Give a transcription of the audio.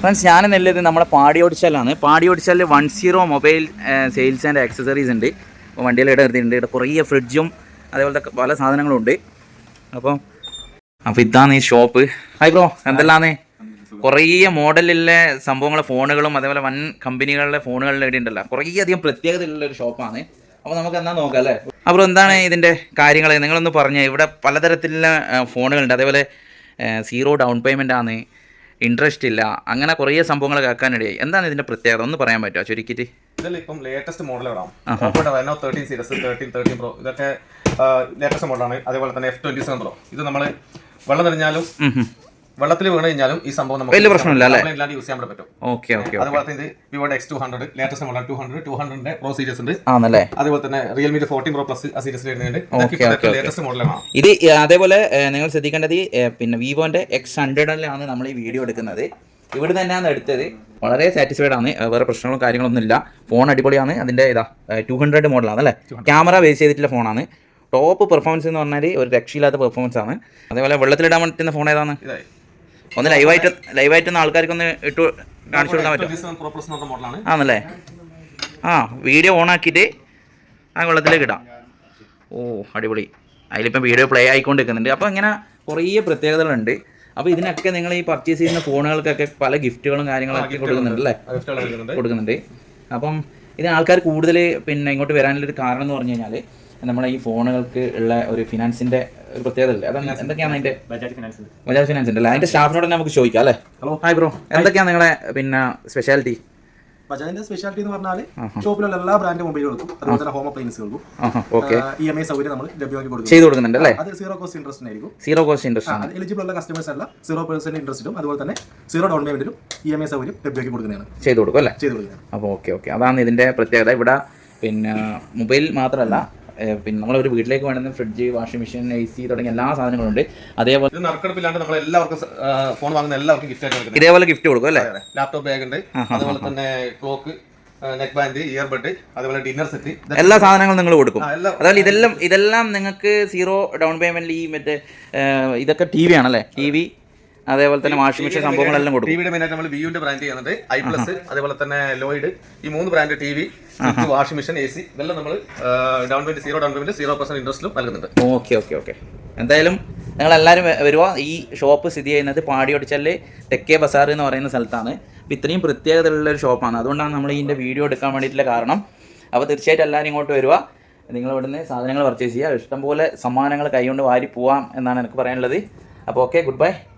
Friends ഞാൻ നെല്ലത് നമ്മുടെ പാടിയോടിച്ചാലാണ്. പാടിയോടിച്ചാലിൽ 10 മൊബൈൽ സെയിൽസ് ആൻഡ് ആക്സസറീസ് ഉണ്ട്. അപ്പോൾ വണ്ടിയിൽ എടുത്തിട്ടുണ്ട്. ഇവിടെ കുറേ ഫ്രിഡ്ജും അതേപോലത്തെ പല സാധനങ്ങളും ഉണ്ട്. അപ്പോൾ ഇതാണ് ഈ ഷോപ്പ്. Hi bro, എന്തെല്ലാന്ന്? കുറേ മോഡലിലുള്ള സംഭവങ്ങളെ ഫോണുകളും അതേപോലെ വൻ കമ്പനികളുടെ ഫോണുകളുടെ ഇവിടെ ഉണ്ടല്ലോ. കുറേ അധികം പ്രത്യേകതയുള്ളൊരു ഷോപ്പാണ്. അപ്പോൾ നമുക്ക് എന്നാ നോക്കാം അല്ലേ? അപ്പോൾ എന്താണ് ഇതിൻ്റെ കാര്യങ്ങൾ നിങ്ങളൊന്ന് പറഞ്ഞേ. ഇവിടെ പലതരത്തിലുള്ള ഫോണുകളുണ്ട്. അതേപോലെ 0 ഡൗൺ പേയ്മെൻ്റ് ആണ്, ഇൻട്രസ്റ്റ് ഇല്ല, അങ്ങനെ കുറേ സംഭവങ്ങൾ കേൾക്കാനിടയായി. എന്താണ് ഇതിൻ്റെ പ്രത്യേകത ഒന്ന് പറയാൻ പറ്റുമോ ചുരുക്കിയിട്ട്? ഇതിൽ ഇപ്പം ലേറ്റസ്റ്റ് മോഡലുകളാണ്. ഓപ്പോയുടെ Reno 13 സീരീസ്, 13 Pro ഇതൊക്കെ ലേറ്റസ്റ്റ് മോഡലാണ്. അതേപോലെ തന്നെ F27 Pro ഇത് നമ്മൾ വെള്ളം നിറഞ്ഞാലും വെള്ളത്തിൽ വീണ് കഴിഞ്ഞാലും ഈ സംഭവം നമുക്ക് വലിയ പ്രശ്നമില്ല അല്ലേ? യൂസ് ചെയ്യാൻ പറ്റും. Okay okay. അതുപോലെ തന്നെ വിവോയുടെ X200 latest model 200 Pro series ഉണ്ട്. ആണല്ലേ? അതുപോലെ തന്നെ റിയൽമിയുടെ 14 Pro Plus ആ സീരീസിൽ വരുന്നുണ്ട്. ലേറ്റസ്റ്റ് മോഡലാണ് ഇത്. അതേപോലെ നിങ്ങൾ ശ്രദ്ധിക്കേണ്ടത് പിന്നെ വിവോന്റെ X100 നമ്മൾ ഈ വീഡിയോ എടുക്കുന്നത്. ഇവിടെ തന്നെയാണ് എടുത്തത്. വളരെ സാറ്റിസ്ഫൈഡ് ആണ്. വേറെ പ്രശ്നങ്ങളും കാര്യങ്ങളൊന്നും ഇല്ല. ഫോൺ അടിപൊളിയാണ്. അതിന്റെ 200 മോഡലാണ് അല്ലേ? ക്യാമറ ബേസ് ചെയ്തിട്ടുള്ള ഫോണാണ്. ടോപ്പ് പെർഫോമൻസ് എന്ന് പറഞ്ഞാൽ ഒരു രക്ഷയില്ലാത്ത പെർഫോമൻസ് ആണ്. അതേപോലെ വെള്ളത്തിലിടാൻ പറ്റുന്ന ഫോൺ ഏതാണ്? ഒന്ന് ലൈവായിട്ടൊന്ന് ആൾക്കാർക്കൊന്ന് ഇട്ട് കാണിച്ചു കൊടുക്കാൻ പറ്റും ആണല്ലേ? വീഡിയോ ഓൺ ആക്കിയിട്ട് വെള്ളത്തിലേക്ക് ഇടാം. അടിപൊളി. അതിലിപ്പം വീഡിയോ പ്ലേ ആയിക്കൊണ്ടിരിക്കുന്നുണ്ട്. അപ്പോൾ ഇങ്ങനെ കുറേ പ്രത്യേകതകളുണ്ട്. അപ്പോൾ ഇതിനൊക്കെ നിങ്ങൾ ഈ പർച്ചേസ് ചെയ്യുന്ന ഫോണുകൾക്കൊക്കെ പല ഗിഫ്റ്റുകളും കാര്യങ്ങളൊക്കെ കൊടുക്കുന്നുണ്ട് അല്ലേ? കൊടുക്കുന്നുണ്ട്. അപ്പം ഇതിന് ആൾക്കാർ കൂടുതൽ പിന്നെ ഇങ്ങോട്ട് വരാനുള്ളൊരു കാരണം എന്ന് പറഞ്ഞു കഴിഞ്ഞാൽ നമ്മളെ ഈ ഫോണുകൾക്ക് ഉള്ള ഒരു ഫിനാൻസിന്റെ ഒരു പ്രത്യേകത അല്ലേ? അത് എന്തൊക്കെയാണ് അതിന്റെ? ബജാജ് ഫിനാൻസ് ഉണ്ടല്ലേ? അതിന്റെ സ്റ്റാഫിനോട് തന്നെ നമുക്ക് ചോദിക്കാം അല്ലേ? ഹലോ, ഹായ് ബ്രോ, എന്തൊക്കെയാണ് നിങ്ങളെ പിന്നെ സ്പെഷ്യാലിറ്റി? ബജാജിന്റെ സ്പെഷ്യാലിറ്റി എന്ന് പറഞ്ഞാൽ ഷോപ്പിലുള്ള എല്ലാ ബ്രാൻഡ് മൊബൈലുകൾക്കും അതുപോലെ തന്നെ ഹോം അപ്ലയൻസുകൾക്കും EMI സൗകര്യം നമ്മൾ ലഭ്യമാക്കി ചെയ്ത് കൊടുക്കുന്നുണ്ട് അല്ലേ? അത് 0 കോസ്റ്റ് ഇൻട്രസ്റ്റ് ആയിരിക്കും. 0 കോസ്റ്റ് ഇൻട്രസ്റ്റ് ആണ്. എലിജിബിൾ ഉള്ള കസ്റ്റമേഴ്സ് അല്ല 0% ഇൻട്രസ്റ്റിലും അതുപോലെ തന്നെ 0 ഡൗൺ പേയ്മെന്റിലും EMI സൗകര്യം ലഭ്യമാക്കി കൊടുക്കുന്നതാണ്. ചെയ്ത് കൊടുക്കും അല്ലേ? ചെയ്ത് കൊടുക്കുന്നത്. അപ്പോൾ ഓക്കെ. അതാണ് ഇതിന്റെ പ്രത്യേകത. ഇവിടെ പിന്നെ മൊബൈൽ മാത്രമല്ല, പിന്നെ നമ്മളൊരു വീട്ടിലേക്ക് വേണ്ടുന്ന ഫ്രിഡ്ജ്, വാഷിംഗ് മെഷീൻ, AC തുടങ്ങിയ എല്ലാ സാധനങ്ങളും ഉണ്ട്. അതേപോലെ നറുക്കെടുപ്പില്ലാണ്ട് നമ്മൾ എല്ലാവർക്കും ഫോൺ വാങ്ങുന്ന എല്ലാവർക്കും ഗിഫ്റ്റ് ആയിട്ട് കൊടുക്കും. ഇതേപോലെ ഗിഫ്റ്റ് കൊടുക്കും അല്ലേ? ലാപ്ടോപ്പ് ബാഗ് ഉണ്ട്, അതുപോലെ തന്നെ ക്ലോക്ക്, നെക്ക് ബാൻഡ്, ഇയർബഡ്, അതുപോലെ ഡിന്നർ സെറ്റ്, എല്ലാ സാധനങ്ങളും നിങ്ങൾ കൊടുക്കും. അതായത് ഇതെല്ലാം നിങ്ങൾക്ക് 0 ഡൗൺ പേയ്മെന്റിൽ ഈ മറ്റേ ഇതൊക്കെ TV ആണല്ലേ? TV അതേപോലെ തന്നെ വാഷിംഗ് മെഷീൻ സംഭവങ്ങളെല്ലാം കൊടുക്കും. ടിവിയുടെ മെയിനായിട്ട് നമ്മൾ വിയുവിന്റെ ബ്രാൻഡ് ചെയ്യുന്നുണ്ട്. I+, അതേപോലെ തന്നെ ലോയിഡ്, ഈ 3 brand TV, washing machine, AC ഇതെല്ലാം നമ്മൾ ഡൗൺ പേയ്മെന്റ് 0 ഡൗൺ പേയ്മെന്റ് 0% ഇൻട്രസ്റ്റിലും നൽകുന്നുണ്ട്. ഓക്കെ. എന്തായാലും നിങ്ങളെല്ലാവരും വരുക. ഈ ഷോപ്പ് സ്ഥിതി ചെയ്യുന്നത് പാടിയോടിച്ചാലിൽ തെക്കേ ബസാർ എന്ന് പറയുന്ന സ്ഥലത്താണ്. അപ്പോൾ ഇത്രയും പ്രത്യേകതയുള്ളൊരു ഷോപ്പാണ്. അതുകൊണ്ടാണ് നമ്മൾ ഇതിൻ്റെ വീഡിയോ എടുക്കാൻ വേണ്ടിയിട്ടുള്ള കാരണം. അപ്പോൾ തീർച്ചയായിട്ടും എല്ലാവരും ഇങ്ങോട്ട് വരിക. നിങ്ങൾ ഇവിടുന്ന് സാധനങ്ങൾ പർച്ചേസ് ചെയ്യുക. ഇഷ്ടംപോലെ സമ്മാനങ്ങൾ കൈകൊണ്ട് വാരി പോവാം എന്നാണ് എനിക്ക് പറയാനുള്ളത്. അപ്പോൾ ഓക്കെ, ഗുഡ് ബൈ.